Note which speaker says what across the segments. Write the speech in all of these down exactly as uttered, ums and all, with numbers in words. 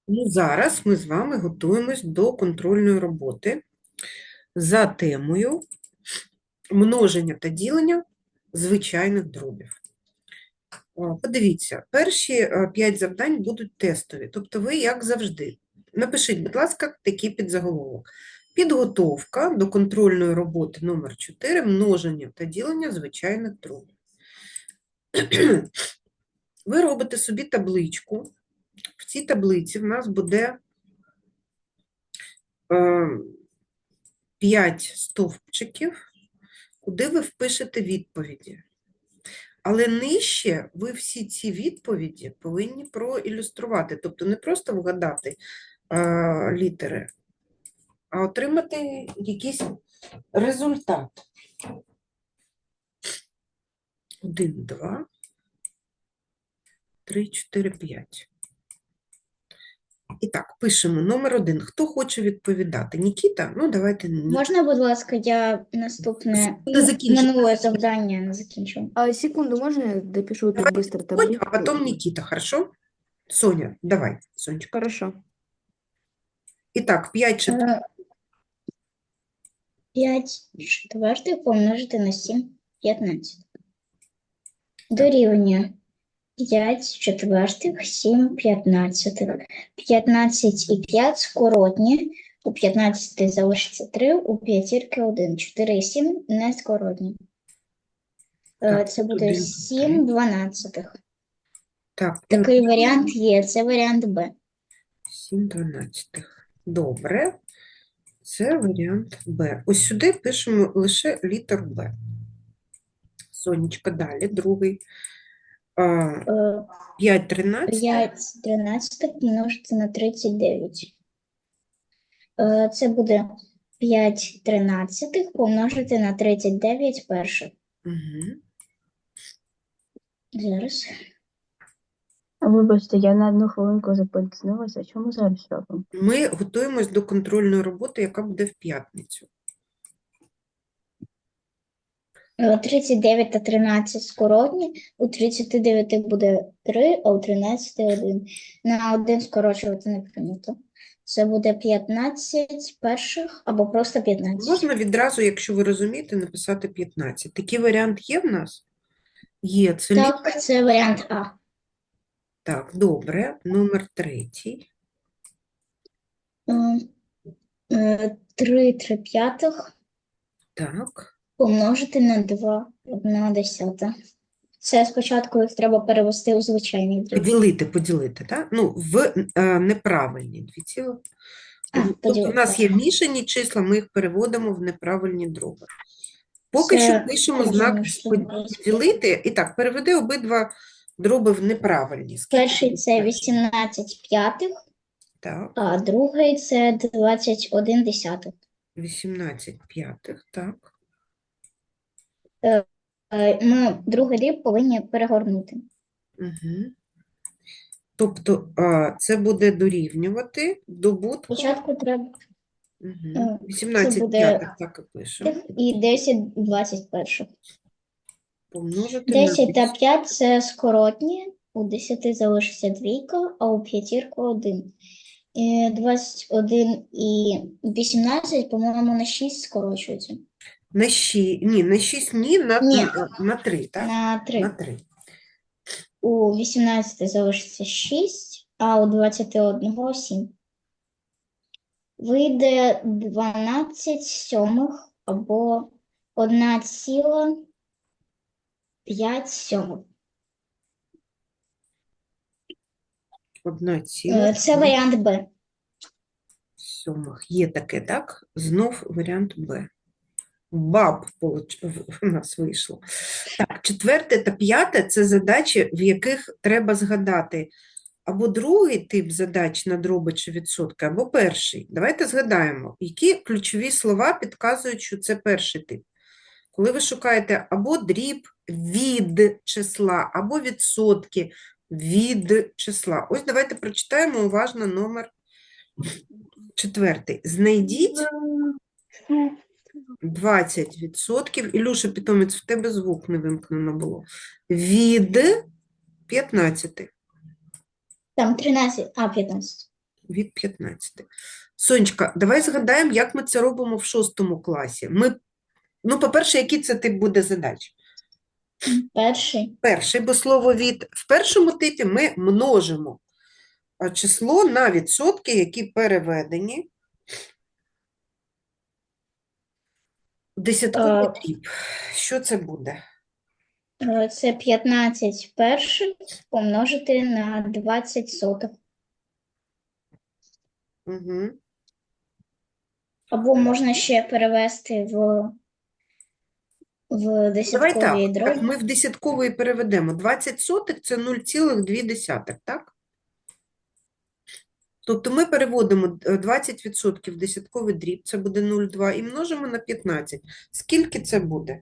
Speaker 1: Ну, зараз ми з вами готуємось до контрольної роботи за темою множення та ділення звичайних дробів. О, Подивіться, перші е, п'ять завдань будуть тестові, тобто ви, як завжди, напишіть, будь ласка, такий підзаголовок. Підготовка до контрольної роботи номер чотири множення та ділення звичайних дробів. Ви робите собі табличку. В цій таблиці в нас буде е, п'ять стовпчиків, куди ви впишете відповіді. Але нижче ви всі ці відповіді повинні проілюструвати, тобто не просто вгадати е, літери, а отримати якийсь результат. Один, два, три, чотири, п'ять. І так, пишемо номер один. Хто хоче відповідати? Нікіта? Ну, давайте. Ні-
Speaker 2: Можна, будь ласка, я наступне
Speaker 1: Секунду, закінчу.
Speaker 2: минуле завдання не закінчу.
Speaker 3: А, секунду, можно я допишу тут
Speaker 1: Давай
Speaker 3: быстро
Speaker 1: Соня,
Speaker 3: таблицу?
Speaker 1: а потом Никита, хорошо? Соня, давай, Сонечка.
Speaker 3: Хорошо.
Speaker 1: Итак, п'ять четвертих.
Speaker 2: Е, п'ять четвертих помножити на сім п'ятнадцять. Дорівнює п'ять четвертих, сім п'ятнадцятих. п'ятнадцять і п'ять скоротні. У п'ятнадцяти залишиться три, у п'ятірки один. чотири і сім не скоротні. Е,
Speaker 1: Так,
Speaker 2: Це буде
Speaker 1: один,
Speaker 2: сім дванадцятих.
Speaker 1: Так,
Speaker 2: Такий варіант є, це варіант Б.
Speaker 1: сім дванадцятих. Добре. Це варіант Б. Ось сюди пишемо лише літер Б. Сонечка, далі, другий. А,
Speaker 2: Е,
Speaker 1: п'ять тринадцятих.
Speaker 2: п'ять тринадцятих помножити на тридцять дев'ять. Е, Це буде п'ять тринадцятих помножити на тридцять дев'ять перших.
Speaker 1: Угу.
Speaker 2: Зараз.
Speaker 3: Вибачте, я на одну хвилинку запізнилася. Чому зараз робимо?
Speaker 1: Ми готуємось до контрольної роботи, яка буде в п'ятницю.
Speaker 2: Е, тридцять дев'ять та тринадцять скоротні. У тридцяти дев'яти буде три, а у тринадцяти один. На один скорочувати не прийнято. Це буде п'ятнадцять перших або просто п'ятнадцять.
Speaker 1: Можна відразу, якщо ви розумієте, написати п'ятнадцять. Такий варіант є в нас? Є. Це лі-
Speaker 2: Так, це варіант А.
Speaker 1: Так, добре. Номер третій.
Speaker 2: Е, е, три три п'ятих
Speaker 1: Так.
Speaker 2: помножити на два, одна десята. Це спочатку їх треба перевести у звичайний дріб.
Speaker 1: Поділити, поділити, так? Ну, в е, неправильні дві ціли.
Speaker 2: А,
Speaker 1: Тобто
Speaker 2: поділити,
Speaker 1: у нас є
Speaker 2: так.
Speaker 1: мішані числа, ми їх переводимо в неправильні дроби. Поки
Speaker 2: Це
Speaker 1: що пишемо знак
Speaker 2: розумно, що
Speaker 1: поділити. І так, переведи обидва дроби в неправильні. Скільки
Speaker 2: перший
Speaker 1: буде
Speaker 2: це
Speaker 1: перший?
Speaker 2: вісімнадцять п'ятих,
Speaker 1: Так,
Speaker 2: а другий це двадцять один десятих.
Speaker 1: вісімнадцять п'ятих, так.
Speaker 2: Е, Ми другий дріб повинні перегорнути.
Speaker 1: Угу. Тобто а, це буде дорівнювати добутку.
Speaker 2: Спочатку треба
Speaker 1: Угу.
Speaker 2: Е,
Speaker 1: вісімнадцять
Speaker 2: це буде-
Speaker 1: п'ятих, так і пишемо.
Speaker 2: і десять двадцять перших.
Speaker 1: Помножити на
Speaker 2: десять та п'ять це скоротні, у десяти залишиться двійка, а у п'ятірку один. І двадцять один і вісімнадцять, по-моєму, на шість скорочується.
Speaker 1: На шість, ні, на шість ні, на,
Speaker 2: Ні.
Speaker 1: на, на три, так?
Speaker 2: На три.
Speaker 1: На три.
Speaker 2: У вісімнадцяти залишиться шість, а у двадцяти одного сім. Вийде дванадцять сьомих або одна ціла п'ять сьомих.
Speaker 1: Одна ціла
Speaker 2: Е, Це варіант Б.
Speaker 1: сьомих. Є таке, так? Знов варіант Б. Баб получ- в- у нас вийшло. Так, четверте та п'яте – це задачі, в яких треба згадати або другий тип задач на дроби чи відсотки, або перший. Давайте згадаємо, які ключові слова підказують, що це перший тип. Коли ви шукаєте або дріб від числа, або відсотки від числа. Ось давайте прочитаємо уважно номер четвертий. Знайдіть двадцять відсотків. Ілюша Питомець, в тебе звук не вимкнено було. Від п'ятнадцяти.
Speaker 2: Там тринадцять, а п'ятнадцять.
Speaker 1: від п'ятнадцяти. Сонечка, давай згадаємо, як ми це робимо в шостому класі. Ми, ну, по-перше, який це тип буде задач?
Speaker 2: Перший.
Speaker 1: Перший, бо слово від. В першому типі ми множимо а, число на відсотки, які переведені в десятковий
Speaker 2: Е,
Speaker 1: дріб. Що це буде?
Speaker 2: е, Це п'ятнадцять перших помножити на двадцять сотих.
Speaker 1: Угу.
Speaker 2: Або можна ще перевести в, в
Speaker 1: Давай
Speaker 2: десяткові
Speaker 1: так, так,
Speaker 2: дробі.
Speaker 1: ми в десятковий переведемо. двадцять сотих – це нуль цілих дві десятих, так? Тобто ми переводимо е, двадцять відсотків в десятковий дріб, це буде нуль цілих два, і множимо на п'ятнадцять. Скільки це буде?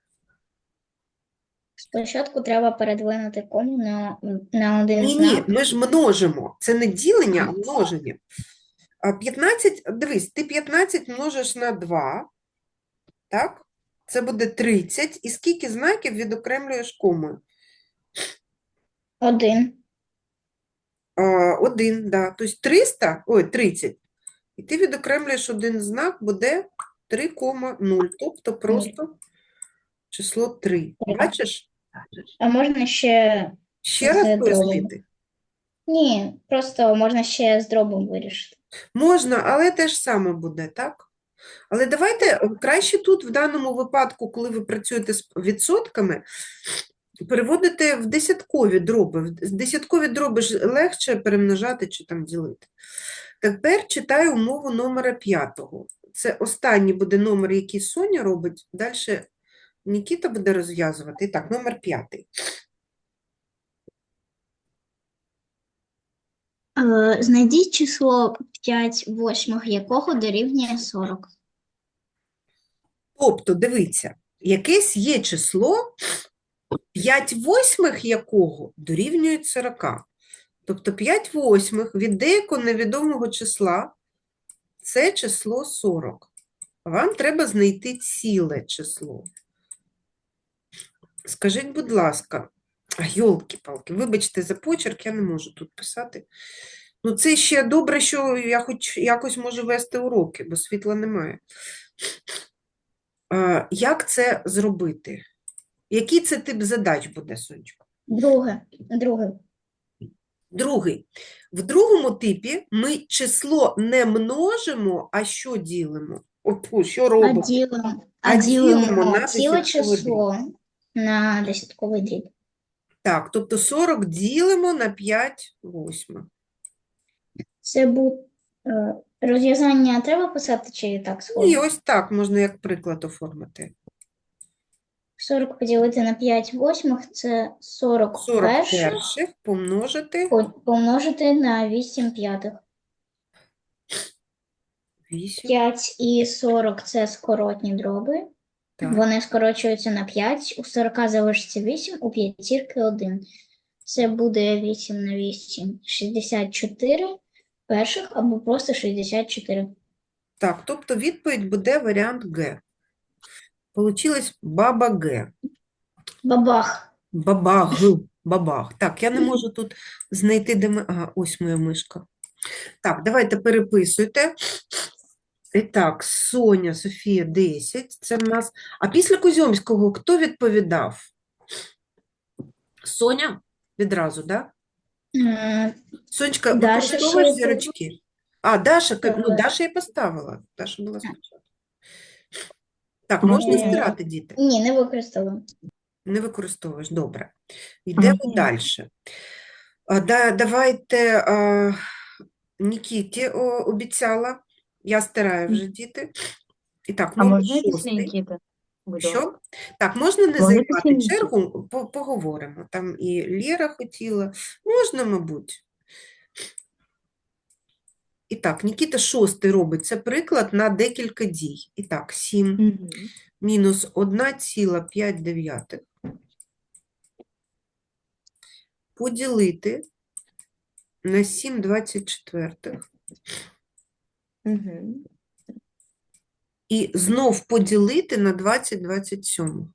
Speaker 2: Спочатку треба передвинути кому на, на один
Speaker 1: Ні, ні,
Speaker 2: знак.
Speaker 1: ми ж множимо. Це не ділення, а множення. А п'ятнадцять, дивись, ти п'ятнадцять множиш на два, так? Це буде тридцять. І скільки знаків відокремлюєш комою?
Speaker 2: Один.
Speaker 1: А, один, да. Тобто триста, ой, тридцять. І ти відокремлюєш один знак, буде три кома нуль. Тобто просто число три.
Speaker 2: Три.
Speaker 1: Бачиш?
Speaker 2: А можна ще
Speaker 1: Ще раз
Speaker 2: з дробом.
Speaker 1: пояснити?
Speaker 2: Ні, просто можна ще з дробом вирішити.
Speaker 1: Можна, але те ж саме буде, так? Але давайте е, краще тут, в даному випадку, коли ви працюєте з відсотками, переводити в десяткові дроби. В десяткові дроби ж легше перемножати чи там ділити. Тепер читаю умову номера п'ятого. Це останній буде номер, який Соня робить. Далі Нікіта буде розв'язувати. І так, номер п'ятий.
Speaker 2: Е, Знайдіть число п'ять восьмих, якого дорівнює сорок.
Speaker 1: Тобто, дивіться, якесь є число, п'ять восьмих якого дорівнює сорока. Тобто п'ять восьмих від деякого невідомого числа – це число сорок. Вам треба знайти ціле число. Скажіть, будь ласка, а, йолки-палки, вибачте за почерк, я не можу тут писати. Ну, це ще добре, що я хоч якось можу вести уроки, бо світла немає. А, як це зробити? Який це тип задач буде, Сонечко?
Speaker 2: Друге. Друге.
Speaker 1: Другий. В другому типі ми число не множимо, а що ділимо? О, що
Speaker 2: А
Speaker 1: робимо?
Speaker 2: ділимо,
Speaker 1: А
Speaker 2: а
Speaker 1: ділимо
Speaker 2: ділимо
Speaker 1: на
Speaker 2: ціле
Speaker 1: десятковий дріб.
Speaker 2: число на десятковий дріб.
Speaker 1: Так, тобто сорок ділимо на п'ять восьмих.
Speaker 2: Це буде розв'язання треба писати чи так
Speaker 1: І
Speaker 2: сходу?
Speaker 1: ось так можна як приклад оформити.
Speaker 2: сорок поділити на п'ять восьмих – це сорок
Speaker 1: сорок
Speaker 2: перших
Speaker 1: перших помножити
Speaker 2: по- помножити на вісім п'ятих.
Speaker 1: вісім.
Speaker 2: п'ять і сорок – це скоротні дроби.
Speaker 1: Так.
Speaker 2: Вони скорочуються на п'ять, у сорока залишиться вісім, у п'ятірки один. Це буде вісім на вісім – шістдесят чотири перших або просто шістдесят чотири.
Speaker 1: Так, тобто відповідь буде варіант Г. Получилось баба Г.
Speaker 2: Бабах.
Speaker 1: Бабаг. Бабах. Так, я не можу тут знайти, де ми... Ага, ось моя мишка. Так, давайте переписуйте. І так, Соня, Софія, десять. Це в нас... А після Кузьомського хто відповідав? Соня? Відразу, так? Да?
Speaker 2: Е,
Speaker 1: Сонечка,
Speaker 2: Даша
Speaker 1: використовуєш
Speaker 2: ще
Speaker 1: зірочки? А, Даша, ка- ну,
Speaker 2: Так.
Speaker 1: Даша і поставила. Даша була спочатку. Так, можна
Speaker 2: Е,
Speaker 1: стирати, діти?
Speaker 2: Ні, не використала.
Speaker 1: Не використовуєш, добре. Йдемо
Speaker 3: Ага.
Speaker 1: далі. А, да, давайте а, Нікіті о, обіцяла. Я стираю вже, діти. І так,
Speaker 3: А
Speaker 1: номер
Speaker 3: можна після
Speaker 1: шостий.
Speaker 3: Нікіти? Будь ласка.
Speaker 1: Що? Так, можна не
Speaker 3: Можна
Speaker 1: займати
Speaker 3: після Нікіти?
Speaker 1: чергу, по- поговоримо. Там і Лєра хотіла. Можна, мабуть. І так, Нікіта шостий робить. Це приклад на декілька дій. І так, сім
Speaker 3: Мгм.
Speaker 1: мінус одна ціла п'ять дев'ятих. Поділити на сім двадцять четвертих.
Speaker 3: Мгм.
Speaker 1: І знов поділити на двадцять двадцять сьомих.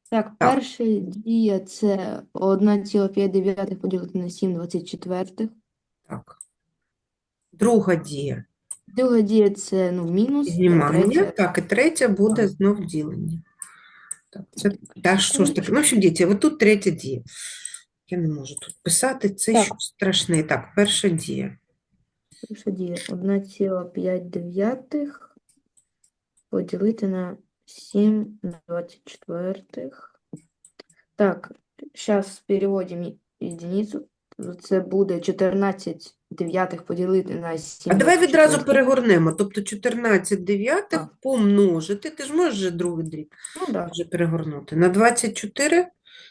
Speaker 3: Так,
Speaker 1: Так.
Speaker 3: перший дія це одна ціла п'ять дев'ятих поділити на сім двадцять четвертих.
Speaker 1: Так. Друга дія.
Speaker 3: Друга дія це ну, мінус, а
Speaker 1: Віднімання.
Speaker 3: третя
Speaker 1: Так, і третя буде
Speaker 3: Так.
Speaker 1: знов ділення. Так, це та що ж таке? Ну, в общем, діти, от тут третя дія. Я не можу тут писати, це
Speaker 3: Так.
Speaker 1: щось страшне. Так, перша дія.
Speaker 3: перша дія одна ціла п'ять дев'ятих поділити на сім двадцять четвертих. Так, зараз переводимо единицю. Це буде чотирнадцять дев'ятих поділити на сім
Speaker 1: А давай
Speaker 3: двадцять
Speaker 1: відразу
Speaker 3: четвертих.
Speaker 1: перегорнемо. Тобто чотирнадцять дев'ятих
Speaker 3: А.
Speaker 1: помножити. Ти ж можеш вже другий дріб
Speaker 3: Ну, да.
Speaker 1: вже перегорнути. На двадцять чотири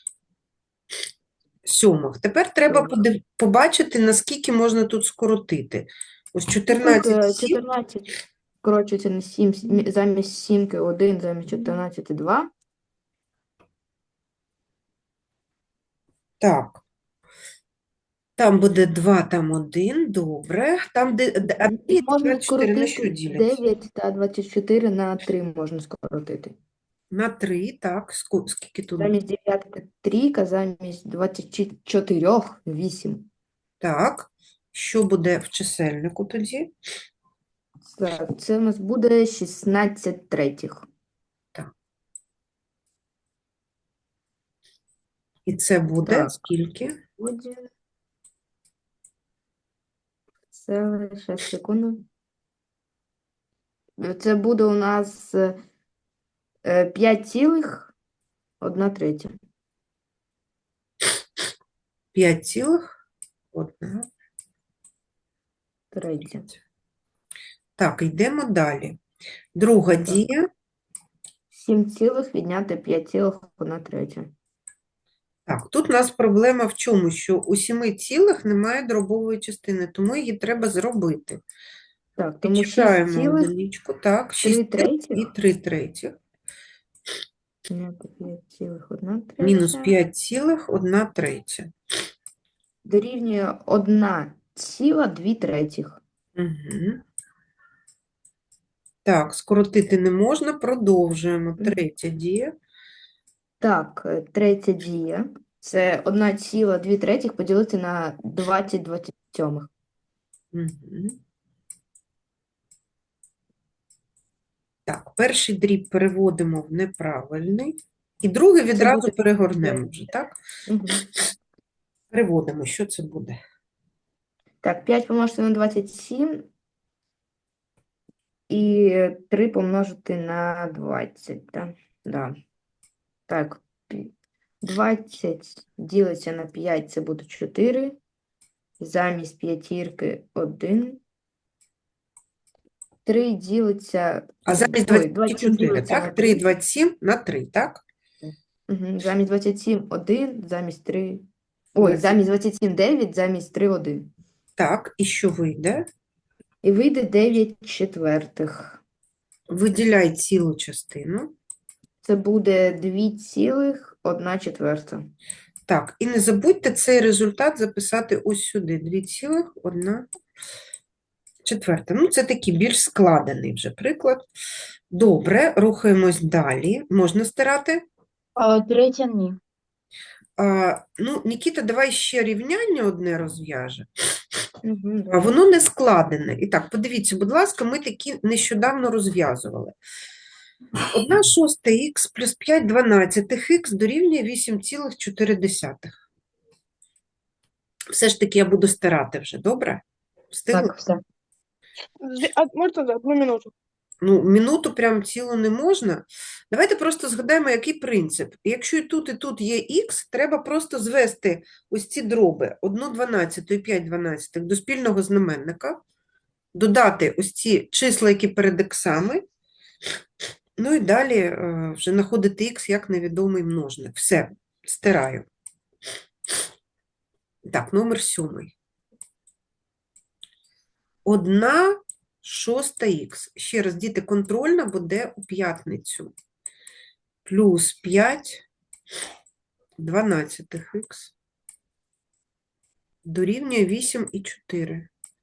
Speaker 1: сьомих. Тепер треба
Speaker 3: Сьомих.
Speaker 1: подив- побачити, наскільки можна тут скоротити. Ось
Speaker 3: Ну, Тут
Speaker 1: чотирнадцять
Speaker 3: е,
Speaker 1: сім.
Speaker 3: чотирнадцять скорочується на сім, мі- замість сімки один, замість чотирнадцяти два.
Speaker 1: Так. Там буде два, там один, добре. Там, де, де а
Speaker 3: І
Speaker 1: дві,
Speaker 3: можна
Speaker 1: двадцять чотири на що
Speaker 3: скоротити
Speaker 1: діляться?
Speaker 3: дев'ять та двадцять чотири на три можна скоротити.
Speaker 1: На три, так. Ску- Скільки тут?
Speaker 3: Замість дев'ятки трійка, замість двадцяти чотирьох вісім.
Speaker 1: Так. Що буде в чисельнику тоді?
Speaker 3: Так, це у нас буде шістнадцять третіх.
Speaker 1: І це буде
Speaker 3: Так.
Speaker 1: скільки?
Speaker 3: Буде. Це лише секунду. Це буде у нас е, п'ять цілих одна третя.
Speaker 1: п'ять цілих одна.
Speaker 3: Третя.
Speaker 1: Так, йдемо далі. Друга дія.
Speaker 3: сім цілих відняти п'ять цілих одна третя.
Speaker 1: Так, тут у нас проблема в чому? Що у сіми цілих немає дробової частини, тому її треба зробити.
Speaker 3: Так, тому шість
Speaker 1: Підчіпляємо
Speaker 3: цілих
Speaker 1: одиничку, так,
Speaker 3: три
Speaker 1: шість цілих
Speaker 3: третіх.
Speaker 1: і три третіх.
Speaker 3: відняти п'ять цілих одна третя.
Speaker 1: Мінус п'ять цілих одна третя.
Speaker 3: Дорівнює одна ціла дві третіх.
Speaker 1: Угу. Так, скоротити не можна, продовжуємо.
Speaker 3: Мгм.
Speaker 1: Третя дія.
Speaker 3: Так, е, третя дія. Це одна ціла дві третіх поділити на двадцять двадцять сьомих.
Speaker 1: Угу. Так, перший дріб переводимо в неправильний. І другий відразу
Speaker 3: буде
Speaker 1: перегорнемо вже, так?
Speaker 3: Угу.
Speaker 1: Переводимо, що це буде?
Speaker 3: Так, п'ять помножити на двадцять сім і три помножити на двадцять. Так, да. Так, пі- двадцять ділиться на п'ять, це буде чотири. Замість п'ятірки один. три ділиться...
Speaker 1: А замість
Speaker 3: Ой,
Speaker 1: двадцять чотири,
Speaker 3: ділиться на
Speaker 1: так? три, двадцять сім на три, так?
Speaker 3: Угу. Замість двадцять сім один, замість три. Ой,
Speaker 1: Двадцять.
Speaker 3: замість двадцять сім дев'ять, замість три один.
Speaker 1: Так, і що вийде?
Speaker 3: І вийде дев'ять четвертих.
Speaker 1: Виділяй цілу частину.
Speaker 3: Це буде дві цілих одна четверта.
Speaker 1: Так, і не забудьте цей результат записати ось сюди. дві цілих одна четверта. Ну, це такий більш складений вже приклад. Добре, рухаємось далі. Можна стирати?
Speaker 3: А третя ні.
Speaker 1: А, ну, Нікіта, давай ще рівняння одне розв'яже.
Speaker 3: Угу,
Speaker 1: А воно не складене. І так, подивіться, будь ласка, ми такі нещодавно розв'язували. одна шоста х плюс п'ять дванадцятих х дорівнює вісім цілих чотири десятих. Все ж таки я буду стирати вже, добре? Встигли?
Speaker 3: Так, все.
Speaker 4: З- а Можна за одну минуту?
Speaker 1: Ну, минуту прям цілу не можна. Давайте просто згадаємо, який принцип. Якщо і тут, і тут є х, треба просто звести ось ці дроби одну дванадцяту і п'ять дванадцятих до спільного знаменника, додати ось ці числа, які перед іксами, ну і далі е, вже знаходити х як невідомий множник. Все, стираю. Так, номер сьомий. Одна шоста х. Ще раз, діти, контрольна буде у п'ятницю. Плюс п'ять дванадцятих х дорівнює вісім і чотири.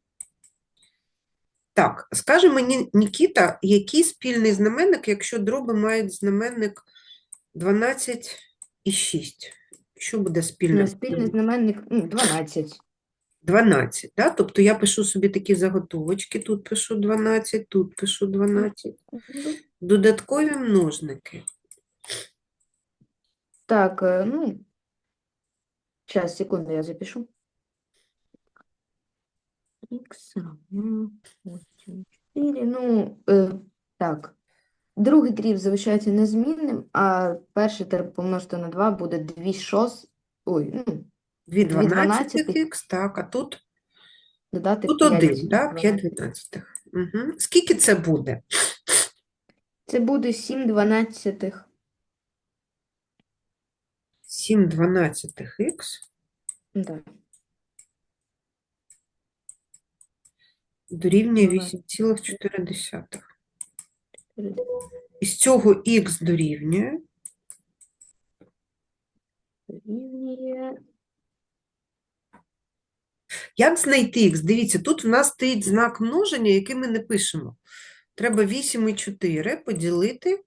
Speaker 1: Так, скаже мені, Нікіта, який спільний знаменник, якщо дроби мають знаменник дванадцять і шість. Що буде спільним?
Speaker 3: На спільний знаменник ну, дванадцять.
Speaker 1: дванадцять, да? Тобто я пишу собі такі заготовочки, тут пишу дванадцять, тут пишу дванадцять. Додаткові множники.
Speaker 3: Так, е, ну, сейчас, секунду, я запишу. Х равно восемь, четыре. Ну, е, так. Другий дріб залишається незмінним, а перший треба помножити на два буде дві шост... Ой, ну,
Speaker 1: Дві
Speaker 3: дві
Speaker 1: дванадцятих
Speaker 3: дванадцятих.
Speaker 1: х, так, а тут,
Speaker 3: додати
Speaker 1: тут
Speaker 3: п'ять
Speaker 1: один, да? п'ять
Speaker 3: дванадцятих.
Speaker 1: дванадцятих. Угу. Скільки це буде?
Speaker 3: Це буде сім дванадцятих.
Speaker 1: сім дванадцятих х
Speaker 3: Да.
Speaker 1: дорівнює
Speaker 3: Дванадцять.
Speaker 1: вісім цілих чотири десятих. Із цього х дорівнює
Speaker 3: Дорівнює.
Speaker 1: Як знайти х? Дивіться, тут в нас стоїть знак множення, який ми не пишемо. Треба вісім і чотири поділити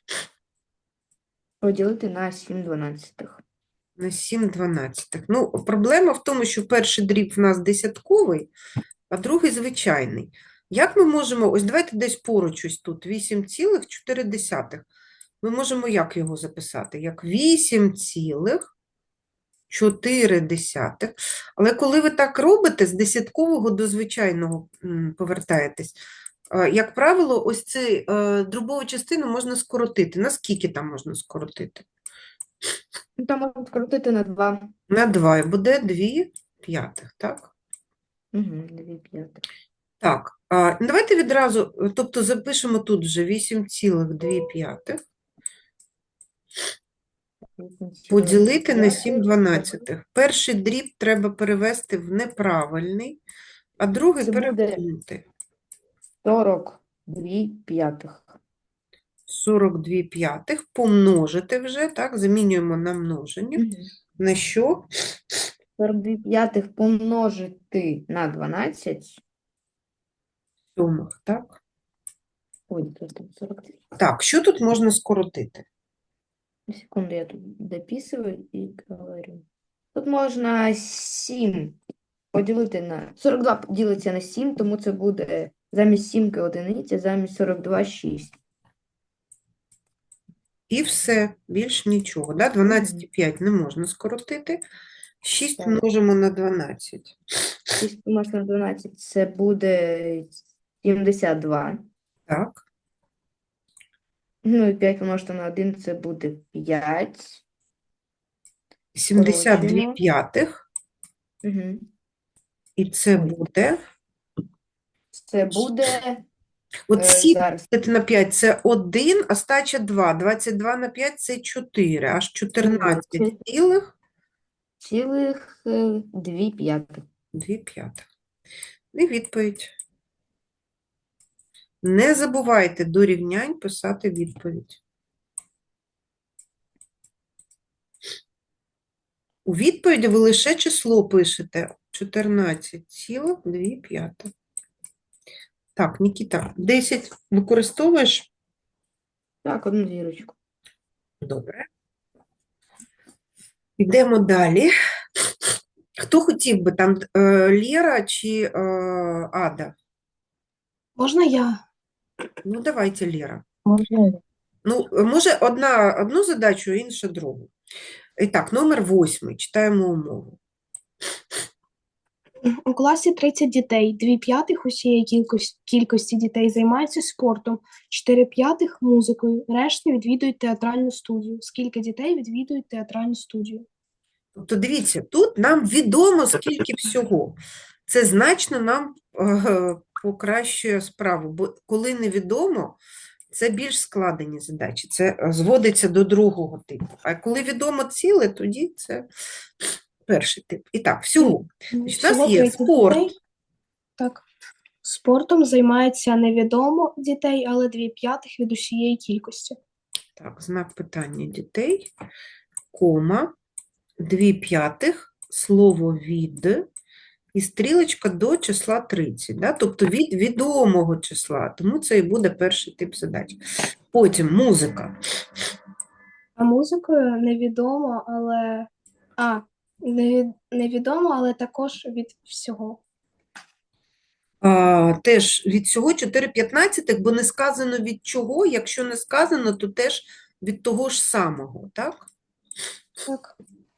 Speaker 3: Поділити на сім дванадцятих.
Speaker 1: на сім дванадцятих. Ну, проблема в тому, що перший дріб в нас десятковий, а другий звичайний. Як ми можемо, ось давайте десь поруч ось тут, вісім цілих чотири десятих. Ми можемо як його записати? Як вісім цілих чотири десятих. Але коли ви так робите, з десяткового до звичайного м, повертаєтесь, е, як правило, ось цю е, дробову частину можна скоротити. Наскільки там можна скоротити?
Speaker 3: Ну, там можна скоротити на два.
Speaker 1: На два, і буде дві п'ятих, так?
Speaker 3: Угу, дві п'ятих.
Speaker 1: Так, а, ну, давайте відразу, е, тобто запишемо тут вже вісім цілих дві п'ятих поділити на сім дванадцятих. Перший дріб треба перевести в неправильний, а другий
Speaker 3: Це буде-
Speaker 1: перекинути.
Speaker 3: сорок дві п'ятих.
Speaker 1: сорок дві п'ятих помножити вже, так, замінюємо на множення.
Speaker 3: Мгм.
Speaker 1: На що?
Speaker 3: сорок дві п'ятих помножити на дванадцять.
Speaker 1: Сьомих, так?
Speaker 3: Ой, то там сорок дві.
Speaker 1: Так, що тут можна скоротити?
Speaker 3: Секунду, я тут дописываю и говорю. Тут можна сім поділити на... сорок два ділиться на сім, тому це буде замість сімки одиниця, замість сорок два шість.
Speaker 1: І все, більш нічого. Да? дванадцять і п'ять не можна скоротити. шість
Speaker 3: Так.
Speaker 1: множимо на дванадцять.
Speaker 3: шість помножити на дванадцять, це буде сімдесят два.
Speaker 1: Так.
Speaker 3: Ну і п'ять помножити на один, це буде п'ять.
Speaker 1: сімдесят дві
Speaker 3: Скорочуємо.
Speaker 1: п'ятих.
Speaker 3: Угу.
Speaker 1: І це
Speaker 3: Ой.
Speaker 1: буде...
Speaker 3: Це буде...
Speaker 1: От
Speaker 3: е,
Speaker 1: сім
Speaker 3: зараз.
Speaker 1: поділити на п'ять – це один, а стача два. двадцять два на п'ять – це чотири. Аж чотирнадцять
Speaker 3: Двадцять.
Speaker 1: цілих
Speaker 3: Цілих е, дві п'ятих.
Speaker 1: дві п'ятих. І відповідь. Не забувайте до рівнянь писати відповідь. У відповіді ви лише число пишете. чотирнадцять цілих дві п'ятих. Так, Нікіта, десять використовуєш?
Speaker 3: Так, одну зірочку.
Speaker 1: Добре. Йдемо далі. Хто хотів би там, е, Лєра чи е, Ада?
Speaker 4: Можна я?
Speaker 1: Ну, давайте, Лєра.
Speaker 4: Можна я.
Speaker 1: Ну, може, одна одну задачу, інша другу. І так, номер восьмий. Читаємо умову.
Speaker 5: У класі тридцять дітей, дві п'ятих усієї кількості, кількості дітей займаються спортом, чотири п'ятих – музикою, решта відвідують театральну студію. Скільки дітей відвідують театральну студію?
Speaker 1: Тобто, дивіться, тут нам відомо, скільки всього. Це значно нам е, покращує справу, бо коли невідомо, це більш складені задачі. Це е, зводиться до другого типу. А коли відомо ціле, тоді це перший тип. І так, всього. Значить, у нас
Speaker 5: Всього
Speaker 1: є
Speaker 5: тридцять
Speaker 1: спорт.
Speaker 5: дітей. Так. Спортом займається невідомо дітей, але дві п'ятих від усієї кількості.
Speaker 1: Так, знак питання дітей, кома, дві п'ятих, слово від, і стрілочка до числа тридцять, да? Тобто від відомого числа, тому це і буде перший тип задач. Потім музика.
Speaker 5: А музикою невідомо, але а, неві- невідомо, але також від всього.
Speaker 1: А, теж від всього чотири п'ятнадцятих, бо не сказано від чого. Якщо не сказано, то теж від того ж самого, так?
Speaker 5: Так.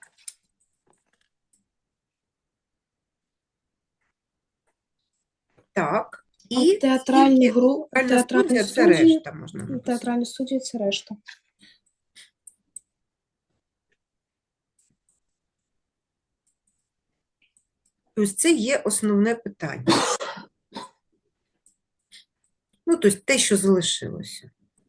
Speaker 1: Так.
Speaker 5: А
Speaker 1: І
Speaker 5: театральні
Speaker 1: скільки
Speaker 5: гру...
Speaker 1: театральна
Speaker 5: театральні
Speaker 1: студія – це
Speaker 5: студії,
Speaker 1: решта, можна написати.
Speaker 5: театральні студії це решта.
Speaker 1: Тобто це є основне питання. Ну, тобто те, що залишилося.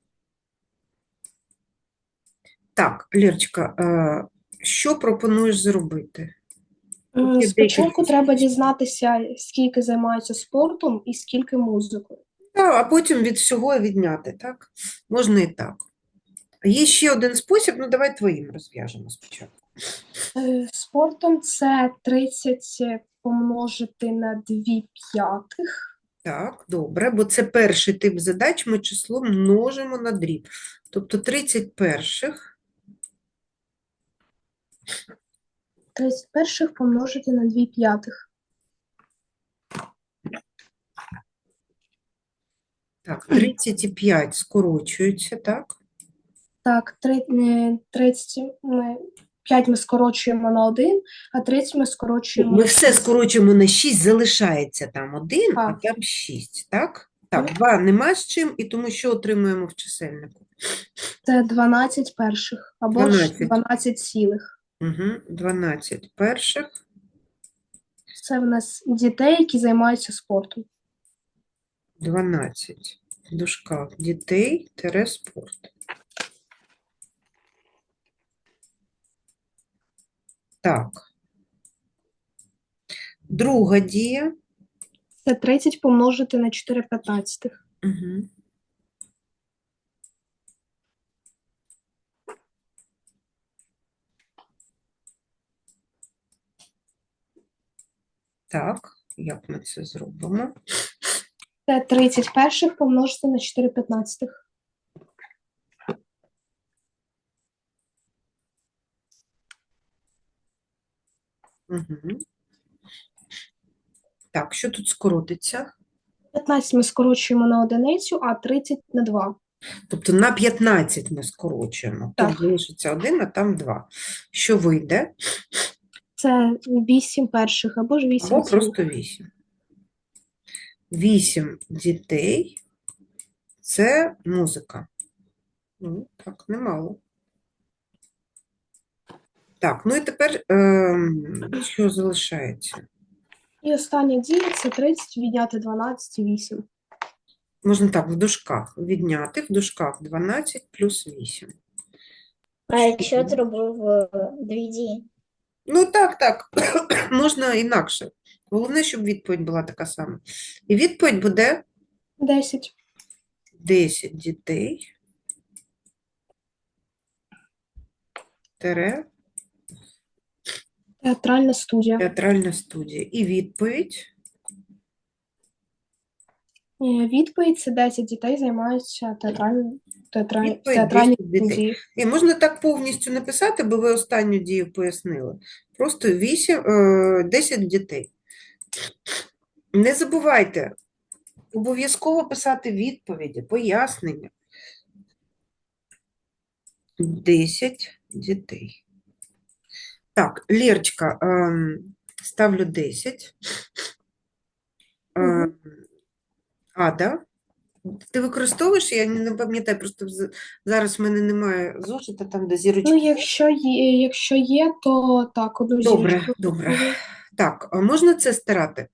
Speaker 1: Так, Лєрочка, е, що пропонуєш зробити?
Speaker 5: М,
Speaker 1: Є
Speaker 5: Спочатку
Speaker 1: декілька
Speaker 5: треба дізнатися, скільки займаються спортом і скільки музикою.
Speaker 1: Так, а потім від всього відняти, так? Можна і так. Є ще один спосіб, ну давай твоїм розв'яжемо спочатку.
Speaker 5: Е, Спортом це тридцять помножити на дві п'ятих.
Speaker 1: Так, добре, бо це перший тип задач, ми число множимо на дріб. Тобто тридцять перших,
Speaker 5: тридцять перших помножити на дві п'ятих.
Speaker 1: так, тридцять п'ять скорочуються, так?
Speaker 5: Так, три- е, тридцять ми, п'ять ми скорочуємо на один, а тридцять ми скорочуємо
Speaker 1: Ми
Speaker 5: на
Speaker 1: все
Speaker 5: шість.
Speaker 1: скорочуємо на шість, залишається там один, а
Speaker 5: Так.
Speaker 1: там шість, так? Так, два нема з чим, і тому що отримуємо в чисельнику?
Speaker 5: Це дванадцять перших, або ж
Speaker 1: дванадцять.
Speaker 5: дванадцять цілих.
Speaker 1: Угу, дванадцять перших.
Speaker 5: Це в нас дітей, які займаються спортом.
Speaker 1: дванадцять в дужках дітей тире спорт. Так. Друга дія.
Speaker 5: Це тридцять помножити на чотири п'ятнадцятих.
Speaker 1: Угу. Так, як ми це зробимо?
Speaker 5: Це тридцять перших помножити на чотири п'ятнадцятих.
Speaker 1: Угу. Так, що тут скоротиться?
Speaker 5: п'ятнадцять ми скорочуємо на одиницю, а тридцять на два.
Speaker 1: Тобто на п'ятнадцять ми скорочуємо.
Speaker 5: Так.
Speaker 1: Тут залишиться один, а там два. Що вийде?
Speaker 5: Це вісім перших, або ж вісім
Speaker 1: Або
Speaker 5: цілих.
Speaker 1: просто вісім. вісім дітей – це музика. Ну, так, немало. Так, ну і тепер ем, що залишається?
Speaker 5: І остання дія – це тридцять відняти дванадцять і вісім.
Speaker 1: Можна так, в дужках відняти, в дужках дванадцять плюс вісім.
Speaker 2: А якщо зробив е, дві дії?
Speaker 1: Ну так, так, можна інакше. Головне, щоб відповідь була така сама. І відповідь буде
Speaker 5: десять.
Speaker 1: десять дітей тире
Speaker 5: Театральна студія.
Speaker 1: театральна студія. І відповідь
Speaker 5: Е, Відповідь – це десять дітей займаються театральною театраль...
Speaker 1: Відповідь
Speaker 5: театральній
Speaker 1: десять дітей.
Speaker 5: студії.
Speaker 1: І можна так повністю написати, бо ви останню дію пояснили. Просто вісім, е, десять дітей. Не забувайте, обов'язково писати відповіді, пояснення. десять дітей. Так, Лєрочка, ем, ставлю десять. Ем, Ада, ти використовуєш? Я не пам'ятаю, просто з- зараз в мене немає зошита, там де зірочки.
Speaker 5: Ну, якщо є, якщо є, то так, одну
Speaker 1: Добре,
Speaker 5: зірочку.
Speaker 1: добре. Так, а можна це стирати?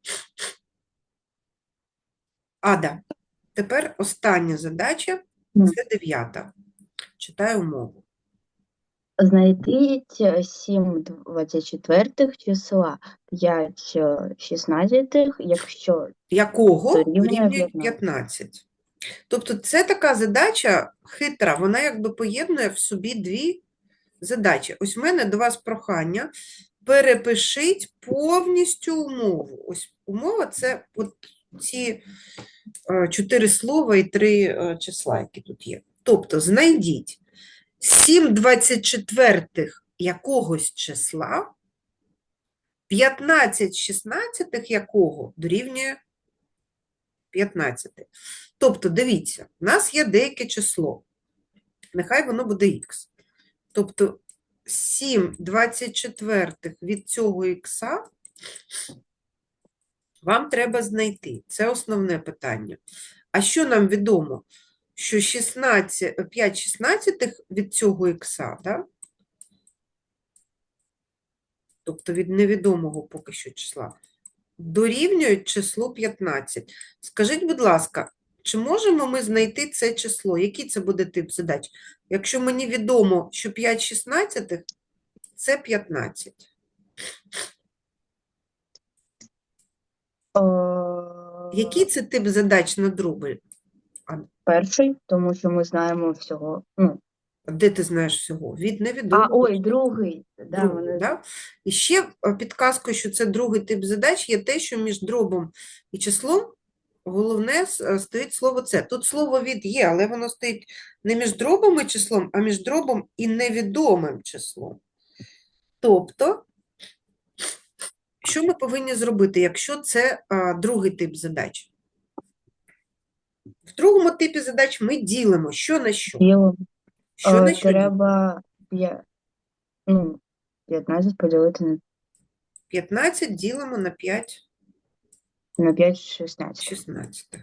Speaker 1: Ада, тепер остання задача,
Speaker 6: Мгм.
Speaker 1: це дев'ята. Читаю умову.
Speaker 6: Знайдіть е, сім двадцять четвертих числа, п'ять е, шістнадцятих, якщо
Speaker 1: Якого
Speaker 6: Дорівнює
Speaker 1: дорівнює
Speaker 6: п'ятнадцять.
Speaker 1: п'ятнадцять. Тобто це така задача хитра, вона якби поєднує в собі дві задачі. Ось в мене до вас прохання, перепишіть повністю умову. Ось умова – це от ці е, чотири слова і три е, числа, які тут є. Тобто знайдіть сім двадцять четвертих якогось числа, п'ятнадцять шістнадцятих якого дорівнює п'ятнадцяти. Тобто, дивіться, в нас є деяке число. Нехай воно буде х. Тобто, сім двадцять четвертих від цього х вам треба знайти. Це основне питання. А що нам відомо? Що шістнадцять, п'ять шістнадцятих від цього х, да? Тобто від невідомого поки що числа, дорівнюють числу п'ятнадцять. Скажіть, будь ласка, чи можемо ми знайти це число? Який це буде тип задач? Якщо мені відомо, що п'ять шістнадцятих – це п'ятнадцять.
Speaker 6: Е,
Speaker 1: Який це тип задач на дроби?
Speaker 6: Перший, тому що ми знаємо всього. Ну,
Speaker 1: Де ти знаєш всього? Від
Speaker 6: а,
Speaker 1: невідомого.
Speaker 6: ой, другий. Да,
Speaker 1: Другий,
Speaker 6: мене...
Speaker 1: да? І ще е, підказкою, що це другий тип задач, є те, що між дробом і числом головне с- стоїть слово «це». Тут слово «від» є, але воно стоїть не між дробом і числом, а між дробом і невідомим числом. Тобто, що ми повинні зробити, якщо це а, другий тип задач? В другому типі задач ми ділимо що на що.
Speaker 6: Діло.
Speaker 1: Що
Speaker 6: Е,
Speaker 1: на що ділимо?
Speaker 6: Треба п'я- ну, п'ятнадцять поділити на,
Speaker 1: п'ятнадцять ділимо на п'ять
Speaker 6: на п'ять шістнадцять.
Speaker 1: шістнадцятих.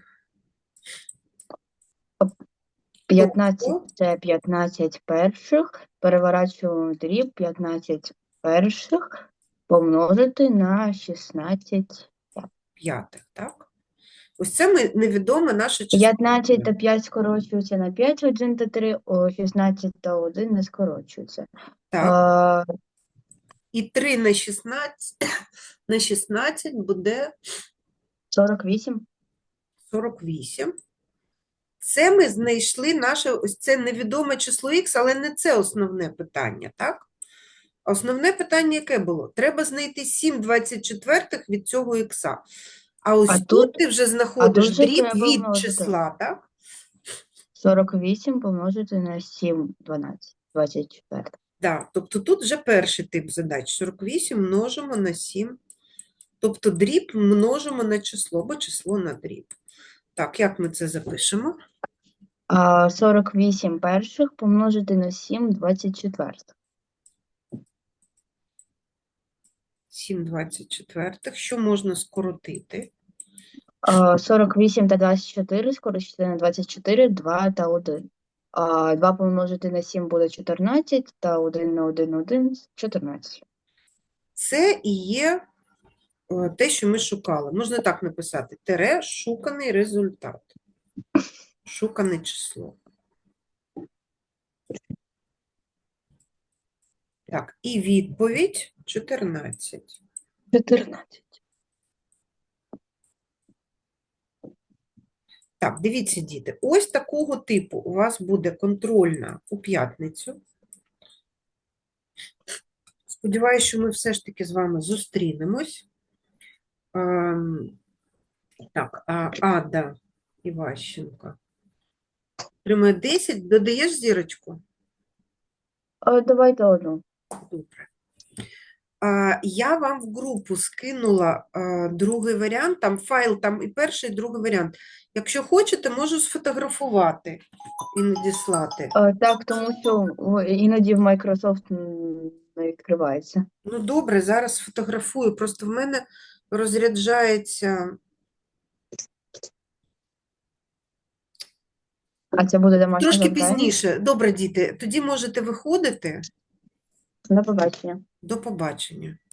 Speaker 6: п'ятнадцять це п'ятнадцять перших, переворачуємо в дріб п'ятнадцять перших помножити на шістнадцять.
Speaker 1: П'ятих, так? Ось це ми невідоме наше число.
Speaker 6: п'ятнадцять та п'ять скорочується на п'ять, один та три, о, шістнадцять та один не скорочується.
Speaker 1: Так.
Speaker 6: Е,
Speaker 1: І три на шістнадцять, на шістнадцять буде
Speaker 6: сорок вісім.
Speaker 1: сорок вісім. Це ми знайшли наше, ось це невідоме число х, але не це основне питання, так? Основне питання яке було? Треба знайти сім двадцять четвертих від цього х. А ось
Speaker 6: А
Speaker 1: тут,
Speaker 6: тут-
Speaker 1: ти вже знаходиш
Speaker 6: тут же
Speaker 1: дріб
Speaker 6: треба
Speaker 1: від
Speaker 6: множити.
Speaker 1: числа, так?
Speaker 6: сорок вісім помножити на сім, дванадцять, двадцять чотири.
Speaker 1: Да, тобто тут вже перший тип задач. сорок вісім множимо на сім. Тобто дріб множимо на число, або число на дріб. Так, як ми це запишемо?
Speaker 6: А сорок вісім перших помножити на сім, двадцять чотири.
Speaker 1: сім двадцять четвертих. Що можна скоротити?
Speaker 6: А, сорок вісім та двадцять чотири скоротити на двадцять чотири, два та один. А, два помножити на сім буде чотирнадцять, та один на один, один, чотирнадцять.
Speaker 1: Це і є е, те, що ми шукали. Можна так написати. Тире шуканий результат. Шукане число. Так, і відповідь чотирнадцять.
Speaker 6: чотирнадцять.
Speaker 1: Так, дивіться, діти, ось такого типу у вас буде контрольна у п'ятницю. Сподіваюсь, що ми все ж таки з вами зустрінемось. Ем, Так, а Ада Іващенко отримує десять. Додаєш зірочку?
Speaker 6: А, давайте одну.
Speaker 1: Добре. А, Я вам в групу скинула а, другий варіант, там файл, там і перший, і другий варіант. Якщо хочете, можу сфотографувати і надіслати.
Speaker 6: А, так, тому що о, іноді в Microsoft м, не відкривається.
Speaker 1: Ну, добре, зараз сфотографую. Просто в мене розряджається.
Speaker 6: А це буде домашнє
Speaker 1: Трошки
Speaker 6: завдання?
Speaker 1: пізніше. Добре, діти, тоді можете виходити.
Speaker 6: До побачення.
Speaker 1: До побачення.